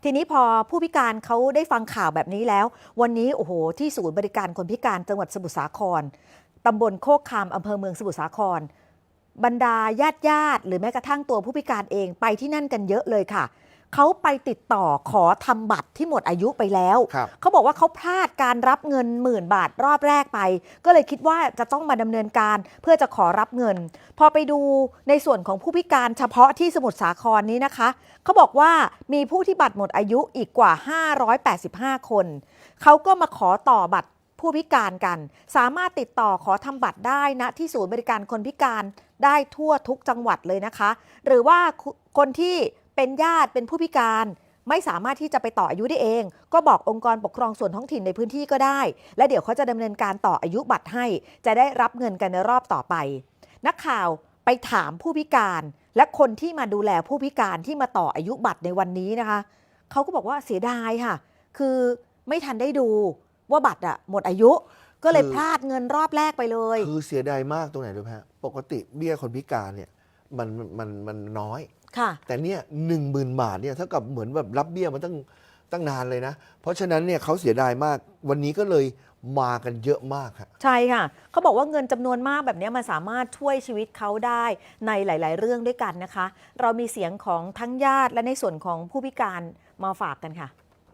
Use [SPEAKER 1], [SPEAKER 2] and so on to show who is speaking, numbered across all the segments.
[SPEAKER 1] ทีนี้พอผู้พิการเขาได้ฟังข่าวแบบนี้แล้ววันนี้โอ้โหที่ศูนย์บริการคนพิการจังหวัดสมุทรสาครตำบลโคกคามอำเภอเมืองสมุทรสาครบรรดาญาติหรือแม้กระทั่งตัวผู้พิการเองไปที่นั่นกันเยอะเลยค่ะเขาไปติดต่อขอทำบัตรที่หมดอายุไปแล้วเขาบอกว่าเขาพลาดการรับเงิน10,000 บาทรอบแรกไปก็เลยคิดว่าจะต้องมาดำเนินการเพื่อจะขอรับเงินพอไปดูในส่วนของผู้พิการเฉพาะที่สมุทรสาครนี้นะคะเขาบอกว่ามีผู้ที่บัตรหมดอายุอีกกว่า585 คนเขาก็มาขอต่อบัตรผู้พิการกันสามารถติดต่อขอทำบัตรได้นะที่ศูนย์บริการคนพิการได้ทั่วทุกจังหวัดเลยนะคะหรือว่าคนที่เป็นญาติเป็นผู้พิการไม่สามารถที่จะไปต่ออายุได้เองก็บอกองค์กรปกครองส่วนท้องถิ่นในพื้นที่ก็ได้และเดี๋ยวเขาจะดำเนินการต่ออายุบัตรให้จะได้รับเงินกันในรอบต่อไปนักข่าวไปถามผู้พิการและคนที่มาดูแลผู้พิการที่มาต่ออายุบัตรในวันนี้นะคะเขาก็บอกว่าเสียดายค่ะคือไม่ทันได้ดูว่าบัตรหมดอายุก็เลยพลาดเงินรอบแรกไปเลย
[SPEAKER 2] คือเสียดายมากตรงไหนรู้ไหมฮะปกติเบี้ยคนพิการเนี่ยมันน้อยแต่เนี่ย10,000 บาทเนี่ยเท่ากับเหมือนแบบรับเบี้ยมาตั้งนานเลยนะเพราะฉะนั้นเนี่ยเขาเสียดายมากวันนี้ก็เลยมากันเยอะมากครับ
[SPEAKER 1] ใช่ค่ะเขาบอกว่าเงินจำนวนมากแบบนี้มันสามารถช่วยชีวิตเขาได้ในหลายๆเรื่องด้วยกันนะคะเรามีเสียงของทั้งญาติและในส่วนของผู้พิการมาฝากกันค่ะ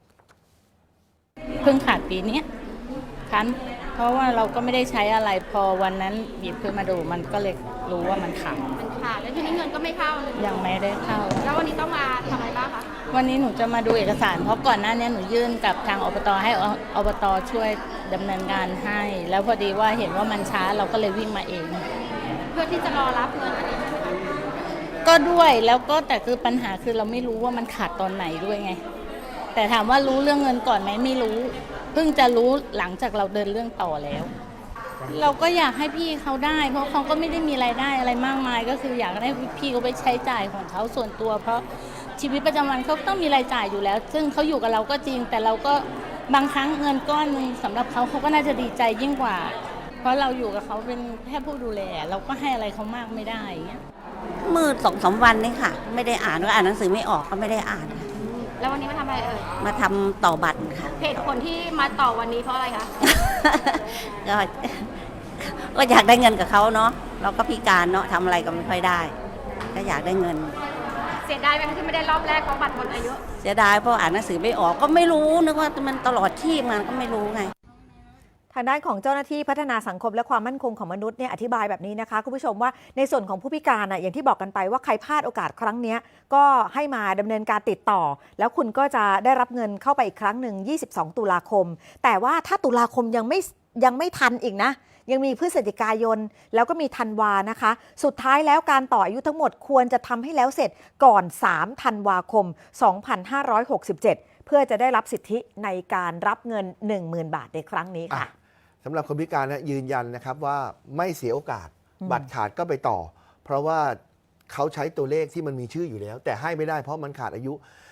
[SPEAKER 3] เพิ่งขาดปีนี้คันเพราะว่าเราก็ไม่ได้ใช้อะไรพอวันนั้นหยิบขึ้นมาดูมันก็เลยรู้ว่ามันขาด
[SPEAKER 4] แล้วทีนี้เงินก็ไม่เข้า
[SPEAKER 3] ยังไม่ได้เข้า
[SPEAKER 4] แล้ววันนี้ต้องมาทำอะไรบ้างคะ
[SPEAKER 3] วันนี้หนูจะมาดูเอกสารเพราะก่อนหน้านี้หนูยื่นกับทางอบตให้อบตช่วยดำเนินการให้แล้วพอดีว่าเห็นว่ามันช้าเราก็เลยวิ่งมาเอง
[SPEAKER 4] เพื่อที่จะรอรับเงินอันนี้
[SPEAKER 3] ก็ด้วยแล้วก็แต่คือปัญหาคือเราไม่รู้ว่ามันขาดตอนไหนด้วยไงแต่ถามว่ารู้เรื่องเงินก่อนไหมไม่รู้เพิ่งจะรู้หลังจากเราเดินเรื่องต่อแล้วเราก็อยากให้พี่เขาได้เพราะเขาก็ไม่ได้มีรายได้อะไรมากมายก็คืออยากให้พี่เขาไปใช้จ่ายของเขาส่วนตัวเพราะชีวิตประจำวันเขาต้องมีรายจ่ายอยู่แล้วซึ่งเขาอยู่กับเราก็จริงแต่เราก็บางครั้งเงินก้อนนึงสำหรับเขาก็น่าจะดีใจยิ่งกว่าเพราะเราอยู่กับเขาเป็นแค่ผู้ดูแลเราก็ให้อะไรเขามากไม่ได้เงี้ย
[SPEAKER 5] มืด2-3 วันนี่ค่ะไม่ได้อ่านก็อ่านหนังสือไม่ออกก็ไม่ได้อ่าน
[SPEAKER 4] แล้ววันนี้มาทำอะไร
[SPEAKER 5] มาทำต่อบัตรค่ะ
[SPEAKER 4] เหตุผลที่มาต่อวันนี้เพราะอะไรคะ
[SPEAKER 5] ก็อยากได้เงินกับเขาเนาะเราก็พิการเนาะทำอะไรก็ไม่ค่อยได้ก็อยากได้เงิน
[SPEAKER 4] เสียดายไหมที่ไม่ได้รอบแรกเพราะบัตรหมดอายุ
[SPEAKER 5] เสียดายเพราะอ่านหนังสือไม่ออกก็ไม่รู้นึกว่ามันตลอดชีพมันก็ไม่รู้ไง
[SPEAKER 1] ทางด้านของเจ้าหน้าที่พัฒนาสังคมและความมั่นคงของมนุษย์เนี่ยอธิบายแบบนี้นะคะคุณผู้ชมว่าในส่วนของผู้พิการอย่างที่บอกกันไปว่าใครพลาดโอกาสครั้งนี้ก็ให้มาดำเนินการติดต่อแล้วคุณก็จะได้รับเงินเข้าไปอีกครั้งหนึ่ง22 ตุลาคมแต่ว่าถ้าตุลาคมยังไม่ทันอีกนะยังมีพฤศจิกายนแล้วก็มีธันวานะคะสุดท้ายแล้วการต่ออายุทั้งหมดควรจะทำให้แล้วเสร็จก่อน3 ธันวาคม 2567เพื่อจะได้รับสิทธิในการรับเงิน 10,000 บาทในครั้งนี้ค่ะ
[SPEAKER 2] สำหรับคนพิการยืนยันนะครับว่าไม่เสียโอกาสบัตรขาดก็ไปต่อเพราะว่าเขาใช้ตัวเลขที่มันมีชื่ออยู่แล้วแต่ให้ไม่ได้เพราะมันขาดอายุ